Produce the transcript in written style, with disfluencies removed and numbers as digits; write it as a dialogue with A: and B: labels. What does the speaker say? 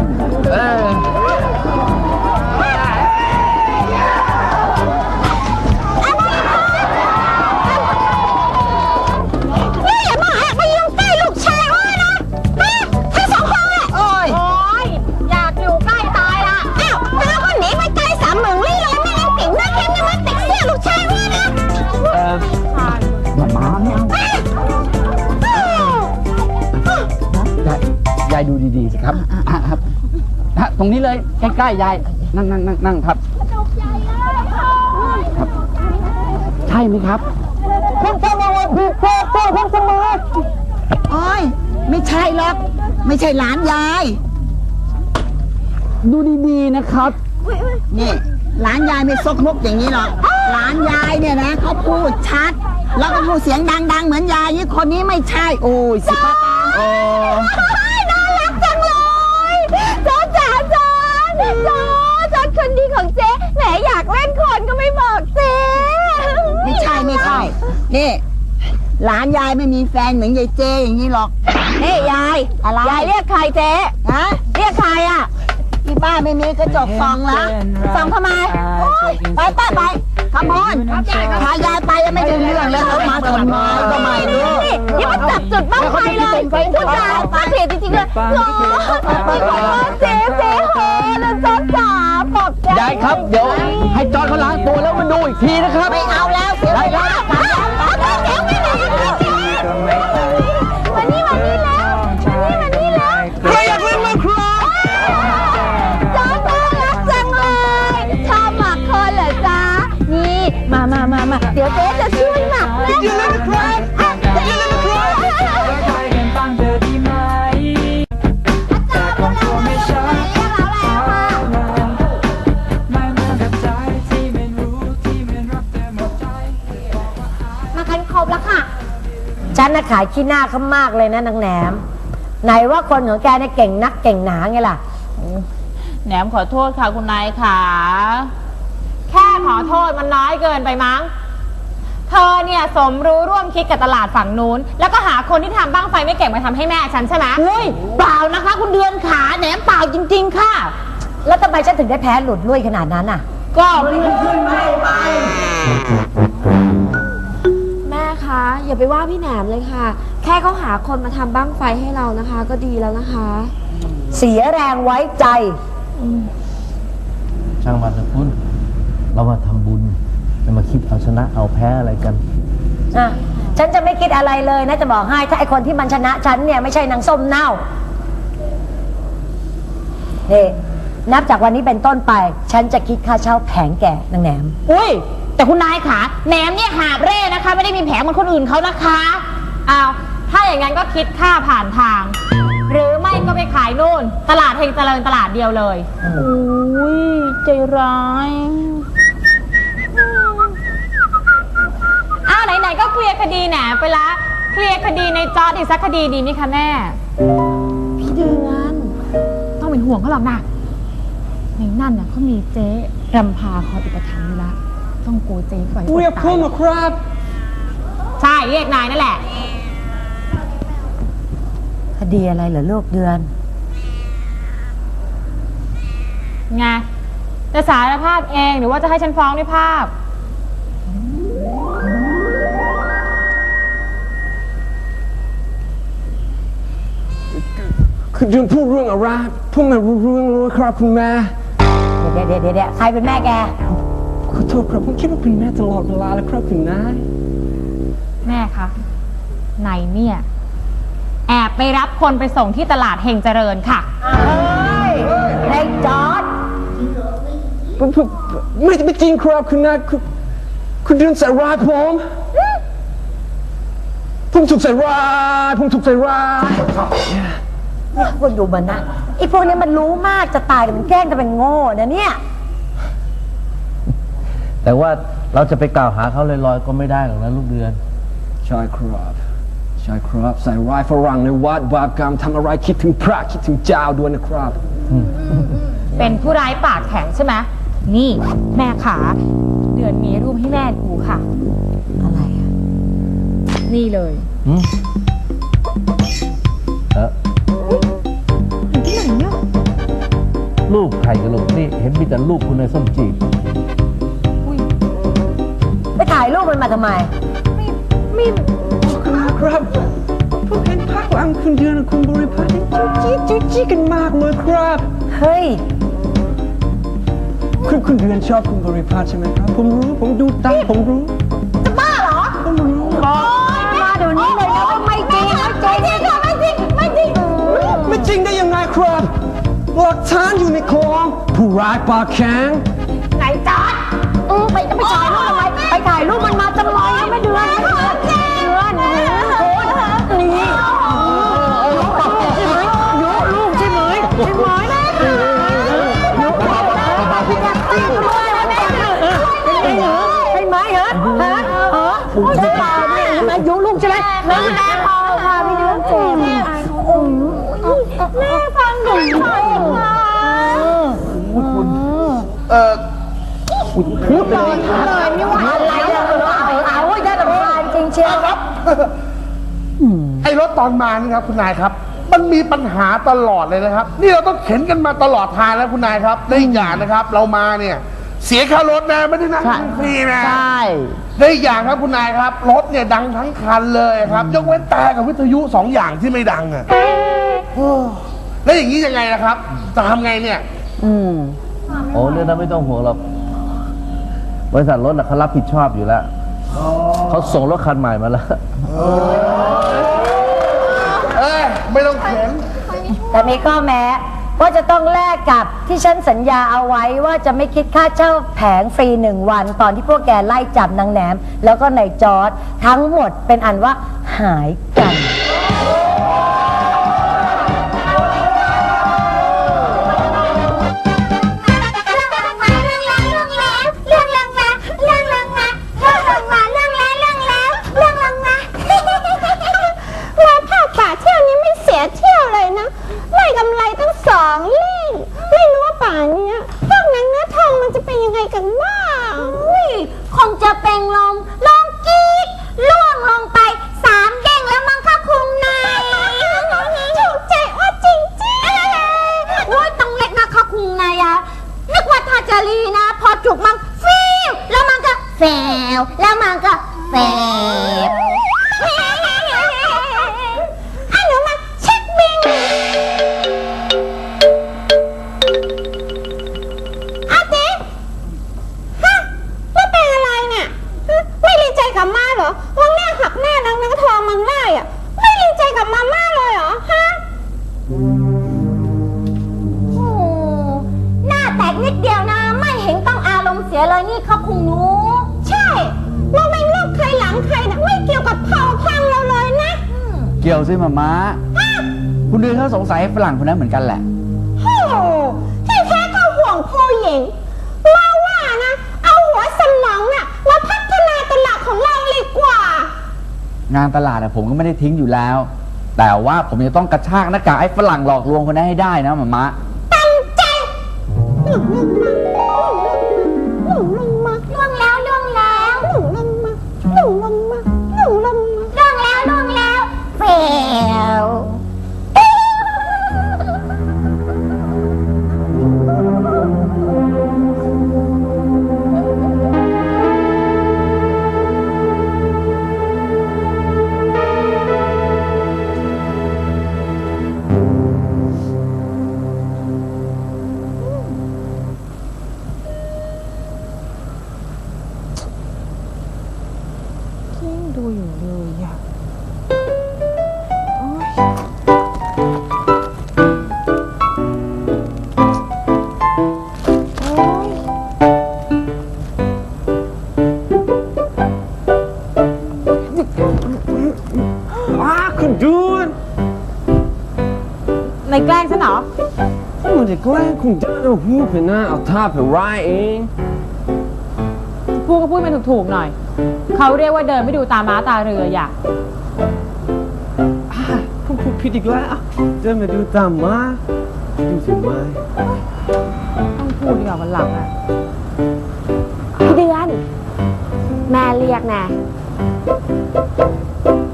A: ยายดูดีๆสิครับครับตรงนี้เลยใกล้ๆยายนั่งครับครับใช่ไหมครับคุณตำรวจผิดพลาดคุณตำรวจ
B: โอ้ยไม่ใช่หรอกไม่ใช่หลานยาย
A: ดูดีๆนะครับ
B: นี่หลานยายไม่ซกมกอย่างนี้หรอกหลานยายเนี่ยนะเขาพูดชัดแล้วก็พูดเสียงดังๆเหมือนยายนี่คนนี้ไม่ใช่โอ้ยสิป้าตา
C: น่ารักจังเลยจ๋าจอนคนดีของเจ๊แหมอยากเล่นคนก็ไม่บอกเจ๊
B: ไม่ใช่นี่หลานยายไม่มีแฟนเหมือนยายเจอย่างนี้หรอก
C: นี่ยายอะไรยายเรียกใครเจ๊
B: ฮะ
C: เรียกใครอ่ะ
B: ที่บ้านไม่มีกระจกส่องแล้ว
C: ส่องทำไม
B: ไปขบวนพายายไปยังไม่ถึงเรื่องเลยเขามาทำไมก็ไม่รู้
C: นี่มันจับจุดบ้างไฟเลยพูดจาปาเสียจริงๆเลยโอ้เจ๊โหนะจอนจ๋าปอบ
A: ยายครับเดี๋ยวให้จอนเขาล้างตัวแล้วมาดูอีกทีนะครับ
B: ไม่เอาแล้วเสียเวลา
C: มานี่แล้ว
A: ใครอยากเล่นมาครับ
C: จอนน่ารักจังเลยชอบหมักคนเหรอจ๊ะนี่มาเดี๋ยวเจ๊จะช่วยหมักนะ
A: อย่าเล่นครับอย่าเล่นครับ
D: ฉันน่ะขายขี้หน้าเขามากเลยนะนางแหนมไหนว่าคนของแกเนี่ยเก่งนักเก่งหนาไงล่ะ
E: แหนมขอโทษค่ะคุณนายค่ะแค่ขอโทษมันน้อยเกินไปมั้งเธอเนี่ยสมรู้ร่วมคิดกับตลาดฝั่งนู้นแล้วก็หาคนที่ทำบ้างไฟไม่เก่งมาทำให้แม่ฉันใช่ไหม
D: อุ้ยเปล่านะคะคุณเดือนขาแหนมเปล่าจริงๆค่ะแล้วทำไมฉันถึงได้แพ้หลุดลุ่ยขนาดนั้นอ่ะ
E: ก็มันขึ้นไม่ไป
C: แม่คะอย่าไปว่าพี่แหนมเลยค่ะแค่เขาหาคนมาทำบ้างไฟให้เรานะคะก็ดีแล้วนะคะ
D: เสียแรงไว้ใจ
F: ช่างมันนะคุณเรามาทำบุญไม่มาคิดเอาชนะเอาแพ้อะไรกัน
D: ฉันจะไม่คิดอะไรเลยนะจะบอกให้ถ้าไอคนที่มันชนะฉันเนี่ยไม่ใช่นางส้มเน่านี่นับจากวันนี้เป็นต้นไปฉันจะคิดค่าเช่าแผงแก่นางแหนม
E: อุ้ยแต่คุณนายขาแหนมเนี่ยหาบเร่นะคะไม่ได้มีแผงเหมือนคนอื่นเขานะคะอ้าวถ้าอย่างนั้นก็คิดค่าผ่านทางหรือไม่ก็ไปขายนู่นตลาดเฮงเจริญตลาดเดียวเลยอุ้ยใจร้ายอ้าวไหนๆก็เคลียร์คดีแหนไปละเคลียร์คดีในจอร์จอีกสักคดีดีไหมคะแม่
C: พี่เดือน
E: ต้องเป็นห่วงเขาหรอกนะในนั่นน่ะเขามีเจ๊รำพาคอยอุปถัมภ์อยู่ละต้องโกเจ๊ปล่อย
A: เรียกคุณครับ
E: ใช่เรียกนายนั่นแหละ
D: คดีอะไรเหรอลูกเดือน
E: ไงจะสารภาพเองหรือว่าจะให้ฉันฟ้องด้วยภาพ
A: คือเดือนพูดเรื่องอะไรพูดไม่รู้เรื่องเลยครับคุณแม่
D: เดี๋ยวใครเป็นแม่แก
A: ขอโทษครับผมคิดว่าเป็นแม่ตลอดเวลาแล้วครับคุณนาย
E: แม่คะนายเนี่ยแอบไปรับคนไปส่งที่ตลาดเฮงเจริญค่ะ
D: ในจอร์จ
A: ไม่จริงครับคุณนายคุณเดือนใส่ร้ายผมถูกใส่ร้าย
D: เนี่ยคนดูมันนะไอ้พวกนี้มันรู้มากจะตายแต่มันแกล้งจะเป็นโง่นะเนี่ย
F: แต่ว่าเราจะไปกล่าวหาเขาลอยๆก็ไม่ได้หรอกนะลูกเดือน
A: ใช่ครับใส่ร้ายฝรั่งในวัดบาปกรรมทำอะไรคิดถึงพระคิดถึงเจ้าด้วยนะครับ
E: เป็นผู้ร้ายปากแข็งใช่ไหมนี่แม่ขาเดือนมีรูปให้แม่ดูค่ะ
D: อะไรอ่ะ
E: นี่เลย
F: ที่ไหนเนี่ยรูปใครกันลูกนี่เห็นมีแต่รูปคุณในส้มจีบ
D: ไปถ่ายรูปมันมาทำไม
A: ครับผมเห็นพักหลังคุณเดือนกับคุณบริพัตรจู้จี้กันมากเลยครับ
D: เฮ้ย
A: คุณเดือนชอบคุณบริพัตรใช่ไหมครับผมรู้ผมดูตาผมรู้
D: มาเดี๋ยวนี้เลยนะว่าไม่จริงไม่จริงค่ะไม่จริงไม่จริง
A: ไม่จริงได้ยังไงครับหลักฐานอยู่ในคลองผู้ร้ายปากแข็ง
D: ไหนจอดไปจะไปถ่ายรูปทำไมไปถ่ายรูปมันมาจังเลยไม่เดือนนี่ยุลูกใช่ไหมใช่ไหมยุใช่ไหมฮะใช่ป่าเนี่ยใช่ไหมยุลูกใช่ไหมแม่พอพาพี่เดือนเจ็บแม่ฟังหนูหน่อยค่ะพูดเลยไม่ไหวอะไรเอาได้ลำบากจริงเชียว
G: ครับไอ้รถตอนมานี่ครับคุณนายครับ มันมีปัญหาตลอดเลยนะครับ นี่เราต้องเข็นกันมาตลอดทางแล้วคุณนายครับได้อีกอย่างนะครับ เรามาเนี่ยเสียค่ารถนะไม่ได้นั่งฟรีนะได้อีกอย่างครับคุณนายครับรถเนี่ยดังทั้งคันเลยครับยกเว้นแต่กับวิทยุ2 อย่างที่ไม่ดังอ่ะแล้วอย่างนี้ยังไงล่ะครับจะทำไงเนี่ย
F: โอ้เรื่องนั้นไม่ต้องห่วงหรอกบริษัทรถเขารับผิดชอบอยู่แล้วเขาส่งรถคันใหม่มาแล้ว
G: ไม่ต้องเข็น
D: แต่มีข้อแม้ว่าจะต้องแลกกับที่ฉันสัญญาเอาไว้ว่าจะไม่คิดค่าเช่าแผงฟรี1 วันตอนที่พวกแกไล่จับนางแหนม แล้วก็นายจอร์ดทั้งหมดเป็นอันว่าหายกัน
C: เที่ยวเลยนะได้กำไรตั้ง2 เล่งไม่รู้ว่าป่านนี้พวกนั้นเนื้อทองมันจะเป็นยังไงกันบ้างคงจะเป็นลมกีดล่วงลงไป3 เด้งแล้วมั้งคะคุณนายถูกใจว่าจริงๆโอ้ยต้องเล็กนะคะคุณนายนึกว่าทาจารีนะพอจุกมันฟิวแล้วมันก็แฝวแล้วมันก็แฝบกับมาเหรอวังแน่หักหน้านางทองมังไล่อ่ะไม่ดีใจกับมาม่าเลยเหรอฮะโอ้หน้าแตกนิดเดียวนะไม่เห็นต้องอารมณ์เสียเลยนี่เขาคุงหนูใช่เราไม่เลือกใครหลังใครนะไม่เกี่ยวกับเผ่าพังเราเลยนะ
A: เกี่ยวสิมาม้าคุณเดือนเขาสงสัยฝรั่งคนนั้นเหมือนกันแหละ
C: โอ้ที่แท้ก็ห่วงผู้หญิงเราว่านะเอาหัวสมองน่ะมาพัฒนาตลาดของเราดีกว่าง
A: านตลาดผมก็ไม่ได้ทิ้งอยู่แล้ว แต่ว่าผมจะต้องกระชากหน้ากากไอ้ฝรั่งหลอกลวงคนนั้นให้ได้นะมาม้า
C: ตั้งใจหนุ่มลงมาล่วงแล้วหนุ่มลงมาล่วงแล้วเฟลดูอยู่เลยอ่ะ
A: คุณเดือน
E: ในแกล้งฉันเหรอ
A: มันจะแกล้งคุณเดือนเอาหูไปหน้าเอาท่าไปร้ายเอง
E: พูดก็พูดมันถูกๆหน่อยเขาเรียกว่าเดินไม่ดูตาม้าตาเรืออย่า
A: ผมพูดผิดอีกแล้วเดินมาดูตามมาดูสิไม่
E: ต้องพูดดีกว่าวันหลังอ่ะ
C: พี่เดือนแม่เรียกนะ